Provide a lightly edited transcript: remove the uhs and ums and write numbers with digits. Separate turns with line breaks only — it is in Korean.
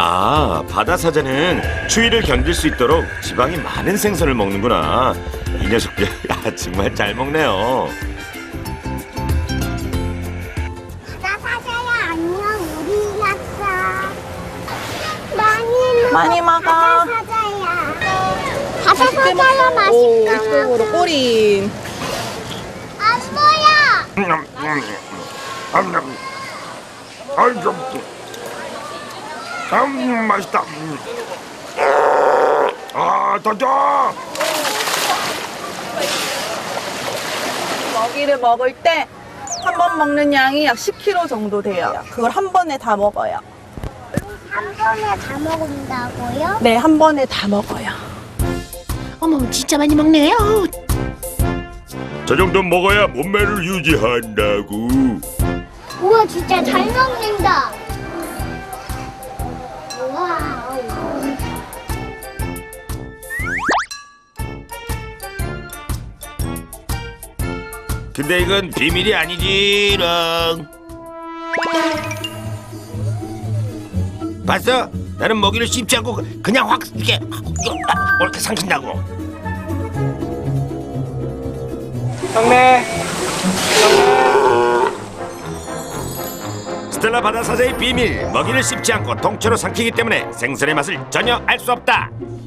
아, 바다 사자는 추위를 견딜 수 있도록 지방이 많은 생선을 먹는구나. 이 녀석들 정말 잘 먹네요.
바다 사자야 안녕. 우리 왔어.
많이 먹어.
바다 사자야. 바다 사자야
오,
맛있다.
이쪽으로 꼬린.
안 보여.
맛있다. 아, 더져.
먹이를 먹을 때 한 번 먹는 양이 약 10kg 정도 돼요. 그걸 한 번에 다 먹어요.
한 번에 다 먹는다고요?
네, 한 번에 다 먹어요.
어머, 진짜 많이 먹네. 어우,
저 정도 먹어야 몸매를 유지한다고.
우와 진짜 잘 먹는다. 와우.
근데 이건 비밀이 아니지롱. 봤어? 나는 먹이를 씹지 않고 그냥 확 이렇게 삼킨다고.
형네.
스텔라 바다 사자의 비밀, 먹이를 씹지 않고 통째로 삼키기 때문에 생선의 맛을 전혀 알 수 없다.